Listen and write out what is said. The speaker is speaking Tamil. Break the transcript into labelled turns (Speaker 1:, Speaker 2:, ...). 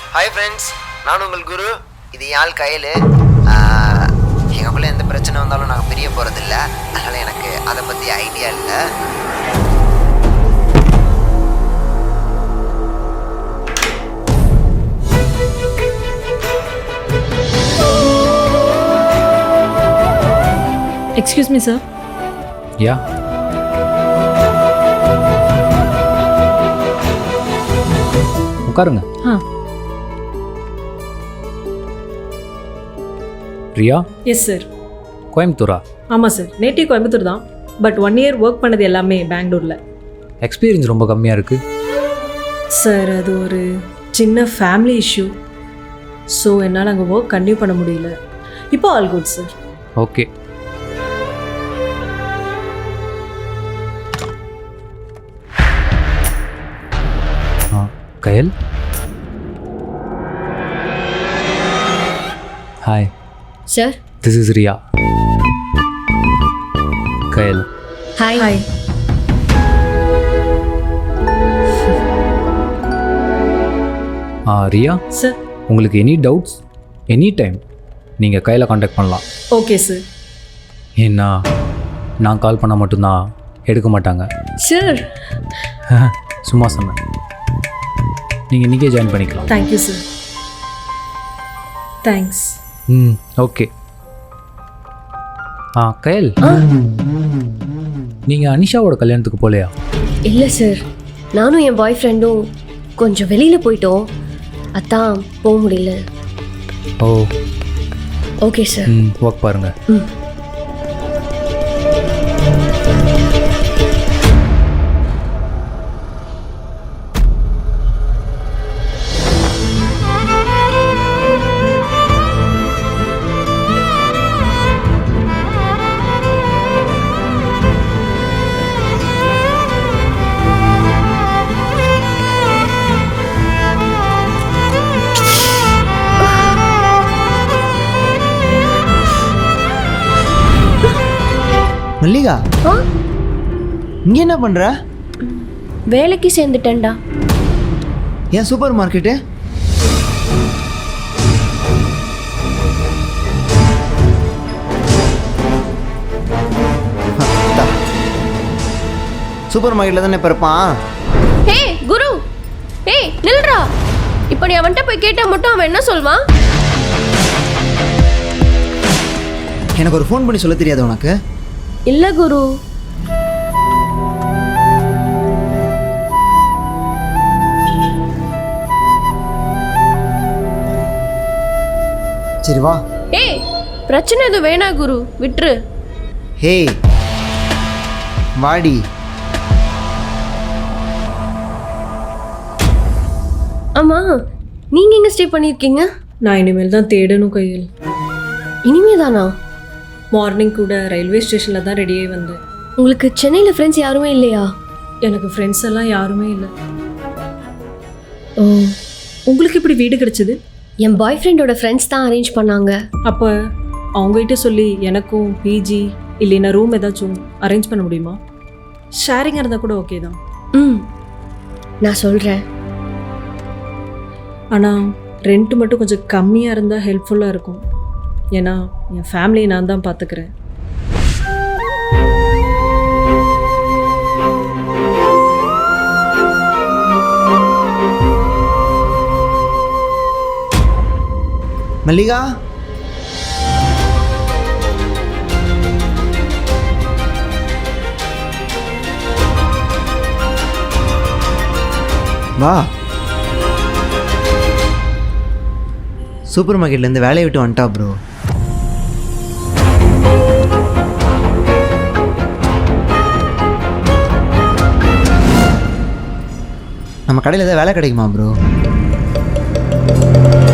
Speaker 1: ஹாய் ஃப்ரெண்ட்ஸ், நான் உங்கள் குரு. இது யாழ் கயல். எங்களுக்குள்ளே எந்த பிரச்சனை வந்தாலும் நாங்கள் பிரிய போகிறதில்ல. அதனால் எனக்கு அதை பற்றி ஐடியா இல்லை.
Speaker 2: Excuse me sir.
Speaker 3: யா, உட்காருங்க. ரியா?
Speaker 2: Yes sir.
Speaker 3: கோயம்புத்தூரா?
Speaker 2: ஆமாம் சார், நேட்டிவ் கோயம்புத்தூர் தான். பட் 1 இயர் ஒர்க் பண்ணது எல்லாமே பெங்களூரில்.
Speaker 3: எக்ஸ்பீரியன்ஸ் ரொம்ப கம்மியாக இருக்குது
Speaker 2: சார். அது ஒரு சின்ன ஃபேமிலி இஷ்யூ. ஸோ என்னால் அங்கே ஒர்க் கன்டினியூ பண்ண முடியல. இப்போ all good sir.
Speaker 3: Okay. Kayal, hi
Speaker 4: sir.
Speaker 3: This is Riya. Kayal.
Speaker 4: Hi.
Speaker 2: Hi.
Speaker 3: Riya,
Speaker 2: sir.
Speaker 3: உங்களுக்கு எனி டவுட்ஸ் எனி டைம் நீங்கள் கையில் காண்டாக்ட் பண்ணலாம்.
Speaker 2: Okay sir.
Speaker 3: ஏன்னா நான் கால் பண்ணால் மட்டும்தான் எடுக்க மாட்டாங்க.
Speaker 4: சார்.
Speaker 3: சும்மா சொன்னேன். நீங்கள் இன்றைக்கே ஜாயின் பண்ணிக்கலாம்.
Speaker 2: Thank you sir. Thanks.
Speaker 3: Okay. Kayal, நீங்கள் அனிஷாவோட கல்யாணத்துக்கு போகலையா?
Speaker 4: இல்லை சார், நானும் என் பாய் ஃப்ரெண்டும் கொஞ்சம் வெளியில் போயிட்டோம். அதான் போக முடியல.
Speaker 3: ஓ,
Speaker 4: ஓகே சார்.
Speaker 3: ஒர்க் பாருங்கள்.
Speaker 1: மல்லிகா, இங்கே என்ன பண்ணுற?
Speaker 4: வேலைக்கு சேர்ந்துட்டேன்டா.
Speaker 1: ஏன் சூப்பர் மார்க்கெட்டு? சூப்பர் மார்க்கெட்டில் தானே இப்போ இருப்பான்.
Speaker 4: ஹே குரு, ஏய் நில்றா. இப்போ நீ அவன்கிட்ட போய் கேட்டால் மட்டும் அவன் என்ன சொல்வான்?
Speaker 1: எனக்கு ஒரு ஃபோன் பண்ணி சொல்ல தெரியாது உனக்கு?
Speaker 4: இல்லை குரு.
Speaker 1: சரி வா.
Speaker 4: ஏய், பிரச்சனை எதுவும் வேணா குரு, விட்டுரு.
Speaker 1: ஹே வாடி.
Speaker 4: ஆமா, நீங்க எங்க ஸ்டே பண்ணியிருக்கீங்க?
Speaker 2: நான் இனிமேல் தான் தேடணும் கையில்.
Speaker 4: இனிமே தானா?
Speaker 2: மார்னிங் கூட ரயில்வே ஸ்டேஷனில் தான் ரெடியாகி வந்தேன்.
Speaker 4: உங்களுக்கு சென்னையில் ஃப்ரெண்ட்ஸ் யாருமே இல்லையா?
Speaker 2: எனக்கு ஃப்ரெண்ட்ஸ் எல்லாம் யாருமே இல்லை.
Speaker 4: ஓ,
Speaker 2: உங்களுக்கு இப்படி வீடு கிடைச்சது?
Speaker 4: என் பாய் ஃப்ரெண்டோட ஃப்ரெண்ட்ஸ் தான் அரேஞ்ச் பண்ணாங்க.
Speaker 2: அப்போ அவங்ககிட்ட சொல்லி எனக்கும் பிஜி இல்லைன்னா ரூம் ஏதாச்சும் அரேஞ்ச் பண்ண முடியுமா? ஷேரிங்காக இருந்தால் கூட ஓகே தான்.
Speaker 4: நான் சொல்கிறேன்.
Speaker 2: ஆனால் ரெண்ட் மட்டும் கொஞ்சம் கம்மியாக இருந்தால் ஹெல்ப்ஃபுல்லாக இருக்கும். ஏன்னா என் ஃபேமிலியை நான் தான் பார்த்துக்கிறேன்.
Speaker 1: மல்லிகா, வா. சூப்பர் மார்க்கெட்லேருந்து வேலையை விட்டு வந்துட்டா ப்ரோ. நம்ம கடையில் ஏதாவது வேலை கிடைக்குமா ப்ரோ?